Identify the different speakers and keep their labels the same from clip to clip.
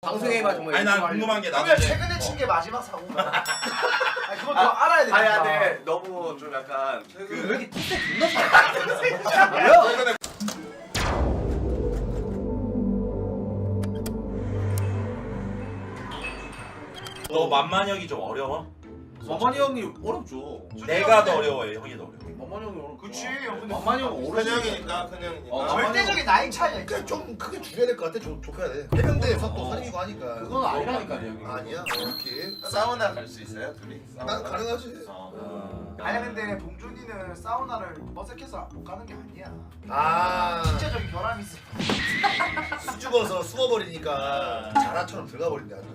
Speaker 1: 방송에만 정말.
Speaker 2: 아니 난 궁금한 게 나는
Speaker 3: 그러면 최근에 친 게 마지막 사고인가? 아니 그것도 알아야 되니까.
Speaker 4: 아니 근데 너무 좀 약간
Speaker 1: 왜 이렇게 투세 존나 잘해? 뭐야?
Speaker 2: 너 만만형이 좀 어려워?
Speaker 4: 만만이 형이 어렵죠.
Speaker 2: 내가 더 어려워해 형이 더 어려워?
Speaker 4: 만만이 형이 어렵.
Speaker 3: 그치 형 근데
Speaker 4: 만만이 형
Speaker 5: 큰
Speaker 4: 어렵.
Speaker 5: 형이니까 큰 형이니까.
Speaker 3: 절대적인 나이 차이가 있잖아.
Speaker 6: 그냥 좀 크게 줄여야 될 것 같아. 좁혀야 돼. 해병대에서 또 사립이고 하니까.
Speaker 4: 그건 아니라니까요 형이.
Speaker 6: 아니야. 이렇게.
Speaker 5: 사우나 갈 수 있어요 둘이?
Speaker 6: 난 가능하지.
Speaker 3: 아니 근데 봉준이는 사우나를 어색해서 못 가는 게 아니야.
Speaker 6: 아.
Speaker 3: 신체적인 결함이 있어.
Speaker 6: 수줍어서 숨어버리니까 자라처럼 들어가 버린대 아주.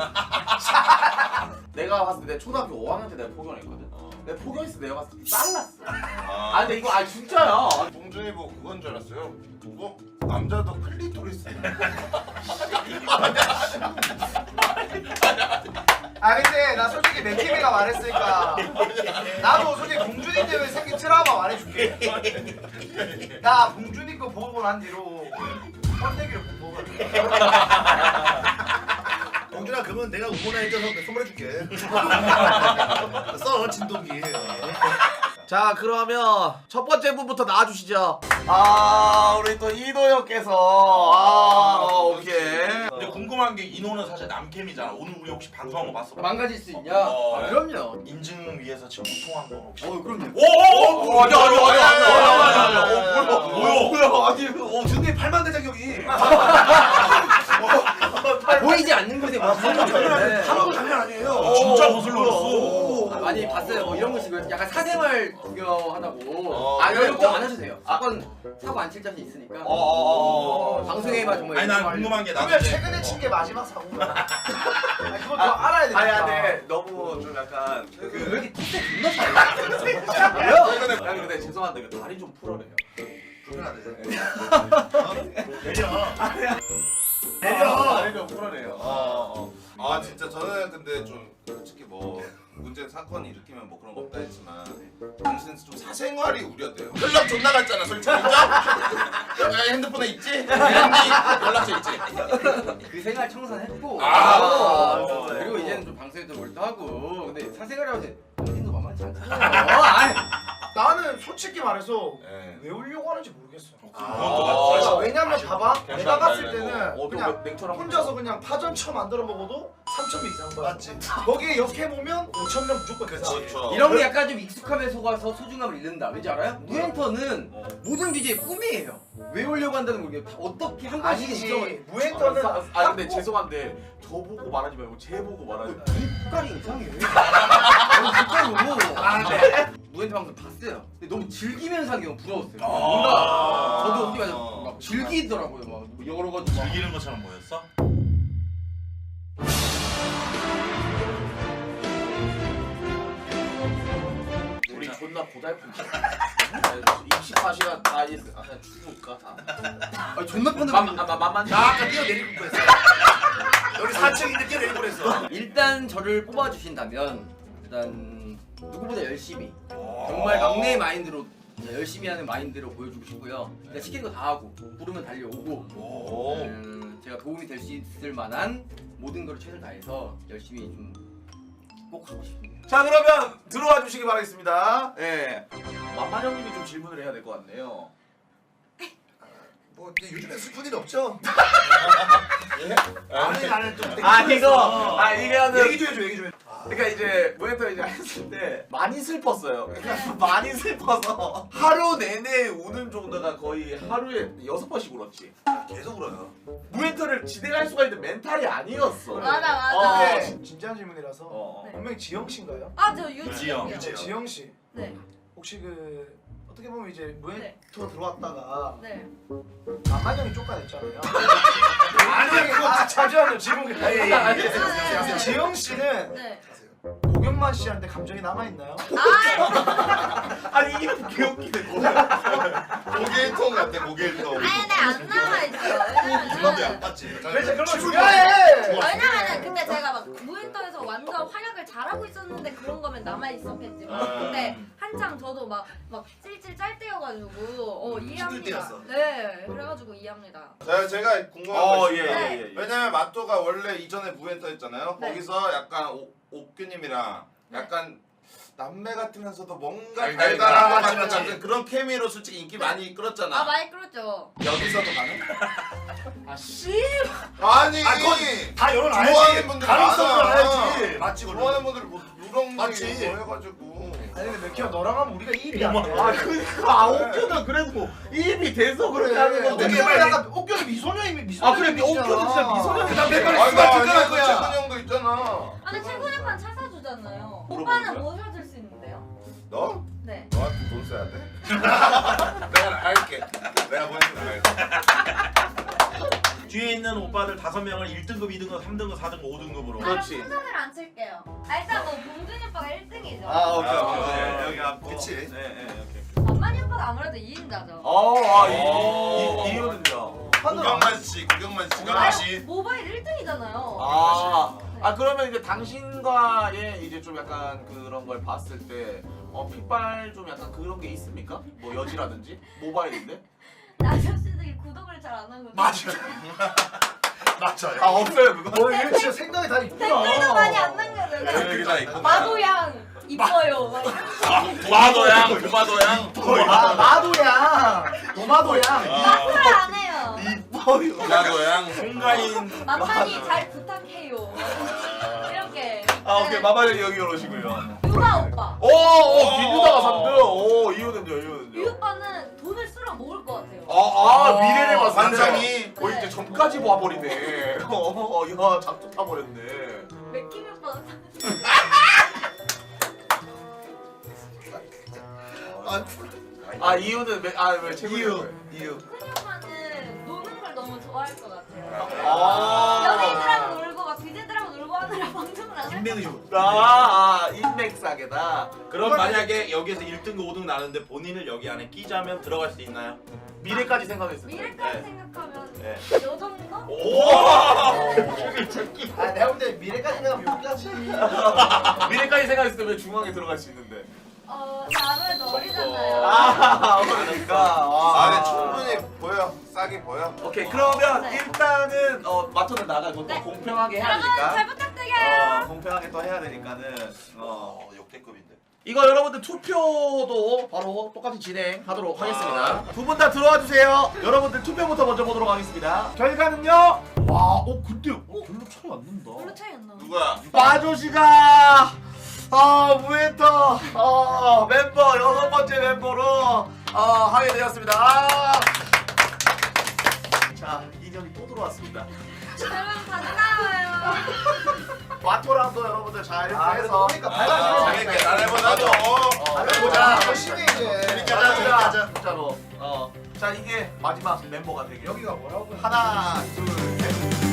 Speaker 4: 내가 봤을 때 초등학교 5학년 때 내가 포견했거든. 내가 포견했을 때 내가 봤을 때 쌀났어. 아 근데 이거 아 진짜야.
Speaker 5: 봉준이 보고 그건 줄 알았어요. 뭐 남자도 클리토리스.
Speaker 3: 아 근데 나 솔직히 맥키미가 말했으니까 나도 솔직히 봉준이 때문에 생긴 트라우마 말해줄게. 나 봉준이 거 보고 난 뒤로 번데기를 못 먹었거든.
Speaker 6: 봉준아 그러면 내가 응원해 해줘서 선물해줄게. 써 진동기.
Speaker 4: 자 그러면 첫 번째 분부터 나와주시죠. 아 우리 또 이도 형께서 오케이.
Speaker 2: 근데 궁금한 게 인호는 사실 남캠이잖아. 오늘 우리 혹시 방송한 거 봤어?
Speaker 1: 망가질 수 있냐?
Speaker 2: 어.
Speaker 1: 아, 그럼요.
Speaker 2: 인증 위해서 지금 우통한 거 혹시?
Speaker 1: 그럼요.
Speaker 2: 오오오!
Speaker 4: 아니
Speaker 2: 뭐야?
Speaker 4: 아니 준이 8만 대장경이.
Speaker 1: 보이지 않는 곳에 무슨 일인데?
Speaker 6: 한국 장난 아니에요.
Speaker 2: 진짜 옷을 넣었어.
Speaker 1: 많이 봤어요. 뭐 이런 거 지금 약간 사생활 구경하다고.
Speaker 4: 아,
Speaker 1: 이런
Speaker 4: 이거
Speaker 1: 거 안 하셔도 돼요. 사고 안 칠 자신 있으니까.
Speaker 4: 어어어어.
Speaker 1: 방송에만 정말.
Speaker 2: 아니 난 궁금한 게 나는
Speaker 3: 그러면 최근에 친 게 마지막 사고인가? 아니 그것도 알아야 되니까.
Speaker 4: 아니 근데 너무 좀 약간
Speaker 1: 왜 이렇게 투세 존나 잘해? 뭐야?
Speaker 4: 아니 근데 죄송한데 그 다리 좀 풀어내요.
Speaker 6: 불편하네.
Speaker 4: 다리 좀 풀어내요.
Speaker 5: 아 진짜 저는 근데 좀 솔직히 뭐 문제 사건 일으키면 뭐 그런 거 없다 했지만 당신은 좀 사생활이 우려돼요. 연락 존나 갔잖아 솔직히 인정? 핸드폰에 있지? 연락처 있지?
Speaker 1: 그 생활 청산했고. 그리고 이제는 좀 방송에도 몰두하고. 근데 사생활이라고 해서 본인도 만만치 않잖아요. 아이.
Speaker 3: 나는 솔직히 말해서
Speaker 5: 네.
Speaker 3: 왜 울려고 하는지 모르겠어.
Speaker 2: 그건 또 맞지.
Speaker 3: 왜냐면 봐봐 내가 갔을 때는
Speaker 4: 또
Speaker 3: 그냥
Speaker 4: 냉철한
Speaker 3: 혼자서 그냥 파전처 만들어 먹어도 3,000명 이상 받아.
Speaker 6: 맞지.
Speaker 3: 거기에 옆에 보면 5,000명 무조건
Speaker 6: 그치.
Speaker 3: 이상.
Speaker 1: 이런 게 약간 좀 익숙함에 속아서 소중함을 잃는다. 왠지 알아요? 무엔터는 모든 BJ의 꿈이에요. 왜 오려고 한다는 걸 어떻게 한 번씩
Speaker 3: 아니지 무엔터는
Speaker 4: 아 근데 죄송한데 저 보고 말하지 말고 쟤 보고 말하지.
Speaker 1: 색깔이 이상해. 진짜로. 무엔터 방송 봤어요. 근데 너무 즐기면서 하는 게 너무 부러웠어요. 뭔가 저도 어디 가서 막 즐기더라고요. 막 여러 가지 막.
Speaker 2: 즐기는 것처럼 보였어?
Speaker 4: 우리 존나 고달픈. 24시간 다 있어. 아 그냥 죽을까 다.
Speaker 1: 아 존나 뻔해.
Speaker 4: 만만.
Speaker 6: 나 아까 뛰어내릴 뻔했어. 여기 4층인데 뛰어내릴 뻔했어.
Speaker 1: 일단 저를 뽑아주신다면 일단 누구보다 열심히 정말 막내 마인드로 열심히 하는 마인드로 보여주고 싶고요. 그냥 시키는 거 다 하고 부르면 달려오고 제가 도움이 될 수 있을 만한 모든 걸 최선을 다해서 열심히 좀 꼭 하고 싶습니다.
Speaker 4: 자 그러면 들어와 주시기 바라겠습니다. 예. 만만 형님이 좀 질문을 해야 될 것 같네요.
Speaker 6: 뭐 이제 요즘에 슬픈 일 없죠?
Speaker 3: 아니 나는 좀
Speaker 4: 이거는
Speaker 3: 얘기 좀 해줘 얘기 좀 해줘.
Speaker 4: 그러니까 이제 모니터 이제 했을 때 많이 슬펐어요. 그러니까 많이 슬퍼서 하루 내내 우는 정도가 거의 하루에 6번씩 울었지.
Speaker 6: 계속 울어요.
Speaker 4: 모니터를 진행할 수가 있는 멘탈이 아니었어.
Speaker 7: 맞아.
Speaker 3: 근데 진지한 질문이라서
Speaker 7: 네.
Speaker 3: 분명히 지영 씨인가요?
Speaker 7: 아, 저
Speaker 2: 유지영.
Speaker 7: 유지영.
Speaker 3: 지영 씨
Speaker 7: 네.
Speaker 3: 혹시 그 어떻게 보면 이제
Speaker 7: 네.
Speaker 3: 무엔터 들어왔다가
Speaker 7: 네.
Speaker 3: 만만형이 쫓겨냈잖아요. 아니 그거 잠시만요 질문
Speaker 7: 네.
Speaker 3: 지영 씨는
Speaker 7: 네.
Speaker 3: 고경만 씨한테 감정이 남아 있나요?
Speaker 4: 아니 이게 개웃기네.
Speaker 5: 고개일통 같아 고개일통.
Speaker 7: 아니, 근데 안 남아있죠. 왜냐면은.
Speaker 6: 맞지.
Speaker 3: 그래서 그런 거 중요해.
Speaker 7: 왜냐면은 근데 제가 막 무엔터에서 완전 활약을 잘하고 있었는데 그런 거면 남아있었겠지만. 근데 한 한창 저도 막 찔찔 짤 때여가지고 이해합니다.
Speaker 6: 때였어.
Speaker 7: 네, 그래가지고 이해합니다.
Speaker 5: 제가 궁금한 거
Speaker 4: 예,
Speaker 5: 있어요.
Speaker 4: 예, 예.
Speaker 5: 왜냐면 마토가 원래 이전에 무엔터 했잖아요.
Speaker 7: 네.
Speaker 5: 거기서 약간 옥규님이랑 약간 남매 같으면서도 뭔가
Speaker 2: 달달한
Speaker 5: 달달한 것
Speaker 6: 맞지,
Speaker 5: 같은
Speaker 6: 맞지.
Speaker 5: 같은 그런 케미로 솔직히 인기 많이 끌었잖아.
Speaker 7: 아 많이 끌었죠.
Speaker 5: 여기서도 가능?
Speaker 6: 아니
Speaker 5: 아니
Speaker 6: 그건 다 열어
Speaker 5: 좋아하는
Speaker 6: 놔야지.
Speaker 5: 분들
Speaker 6: 가능성을
Speaker 5: 많아.
Speaker 6: 알아야지. 맞지 그건.
Speaker 5: 좋아하는 분들 뭐 누렁이
Speaker 6: 맞지.
Speaker 5: 뭐 해가지고.
Speaker 3: 아니 근데 맥키야 너랑 하면 우리가 이입이 안 돼.
Speaker 4: 아 그러니까 옥규는 그래도 입이 돼서 그렇게 하는 건데.
Speaker 3: 옥규는 약간 옥규는 미소년이
Speaker 4: 아 그래 옥규는 진짜 미소년이 나 매번
Speaker 5: 아니 나
Speaker 4: 습관
Speaker 5: 아니야
Speaker 4: 거야.
Speaker 5: 최근 형도 있잖아.
Speaker 7: 아니 최근 오빠는 차 사주잖아요.
Speaker 4: 물어보는
Speaker 7: 오빠는 뭐 사줄 수 있는데요?
Speaker 5: 너?
Speaker 7: 네.
Speaker 5: 너한테 돈 써야 돼? 내가 할게. 내가 보내줄게.
Speaker 2: 뒤에 있는 오빠들 5명을 1등급, 2등급, 3등급, 4등급, 5등급으로.
Speaker 4: 그렇지.
Speaker 7: 그럼 순서대로 안 칠게요. 일단 뭐 봉준이 오빠가 1등이죠.
Speaker 4: 아 오케이
Speaker 2: 아,
Speaker 4: 오케이.
Speaker 2: 네, 여기 앞.
Speaker 6: 그치.
Speaker 2: 네, 네, 오케이.
Speaker 7: 만만이 오빠가 아무래도 2인자죠.
Speaker 4: 이유는요.
Speaker 5: 구경만 씨, 구경만 씨.
Speaker 7: 모바일 1등이잖아요.
Speaker 4: 아 그러면 이제 당신과의 이제 좀 약간 그런 걸 봤을 때 핏발 좀 약간 그런 게 있습니까? 뭐 여지라든지 모바일인데?
Speaker 7: 아저씨들이 구독을 잘 안 하거든요.
Speaker 6: 맞아요.
Speaker 4: 아 없어요 그거.
Speaker 3: 이거 진짜 생각이 다 있구나.
Speaker 7: 댓글도 많이 안 남겨줘요.
Speaker 5: 여기 다 있고.
Speaker 7: 마도양 이뻐요. 막 이런
Speaker 2: 도마도양, 도마도양.
Speaker 3: 아 마도양, 도마도양.
Speaker 7: 마크를 안 해요.
Speaker 4: 이뻐요.
Speaker 2: 도마도양, 송가인.
Speaker 7: 만만히 잘 부탁해요. 이렇게.
Speaker 4: 아 오케이 마마님 여기 오시고요.
Speaker 7: 유나 오빠.
Speaker 4: 오 비누다가 3등. 오 이유는요
Speaker 7: 유
Speaker 4: 이유는요.
Speaker 7: 오빠는 돈을 쓸어 모을 것 같아요.
Speaker 4: 미래를 봤을 때.
Speaker 5: 환상이.
Speaker 4: 이제 전까지 봐버리네. 야 작두 타버렸네.
Speaker 7: 맥킴이 오빠는
Speaker 4: 이유는 왜 최고예요? 이유.
Speaker 7: 큰이 오빠는 노는 걸 너무 좋아할 것 같아요.
Speaker 4: 아.
Speaker 7: 연예인들하고 놀고 막 BJ들하고 놀고 하느라 방송을 안 할.
Speaker 6: 인맥이 좋.
Speaker 4: 인맥사계다.
Speaker 2: 그럼 만약에 여기에서 1등급, 5등급 나는데 본인을 여기 안에 끼자면 들어갈 수 있나요?
Speaker 4: 미래까지 생각했을 때.
Speaker 7: 미래까지
Speaker 2: 네.
Speaker 7: 생각하면
Speaker 2: 네.
Speaker 7: 요 정도?
Speaker 3: 아 내가 볼 때 미래까지 생각하면 여기까지.
Speaker 4: 미래까지 생각했을 때 왜 중앙에 들어갈 수 있는데?
Speaker 7: 아무래도 어리잖아요.
Speaker 4: 그러니까.
Speaker 5: 네, 충분히 보여. 싸게 보여.
Speaker 4: 오케이 그러면
Speaker 7: 네.
Speaker 4: 일단은 마토는 나가고 또
Speaker 7: 네.
Speaker 4: 공평하게 해야
Speaker 7: 여러분 잘
Speaker 4: 되니까.
Speaker 7: 부탁드려요.
Speaker 4: 공평하게 또 해야 되니까는.
Speaker 5: 역대급인데.
Speaker 4: 이거 여러분들 투표도 바로 똑같이 진행하도록 하겠습니다. 두 분 다 들어와 주세요. 여러분들 투표부터 먼저 보도록 하겠습니다. 결과는요. 근데 별로 차이 안 난다.
Speaker 7: 별로 차이 안 나.
Speaker 5: 누구야?
Speaker 4: 마조씨가 무에터 멤버 6번째 멤버로 하게 되었습니다. 자, 인연이 또 들어왔습니다.
Speaker 7: 여러분 반가워요.
Speaker 4: 마토랑도 여러분들 잘
Speaker 3: 아
Speaker 4: 해서
Speaker 3: 그래서 보니까 밝아지네.
Speaker 5: 재밌게 잘해보자고.
Speaker 3: 보자. 열심히 이제.
Speaker 6: 재밌게 하자.
Speaker 4: 진짜로. 자, 이게 마지막 멤버가 되길.
Speaker 3: 여기가 뭐라고?
Speaker 4: 하나, 둘, 셋.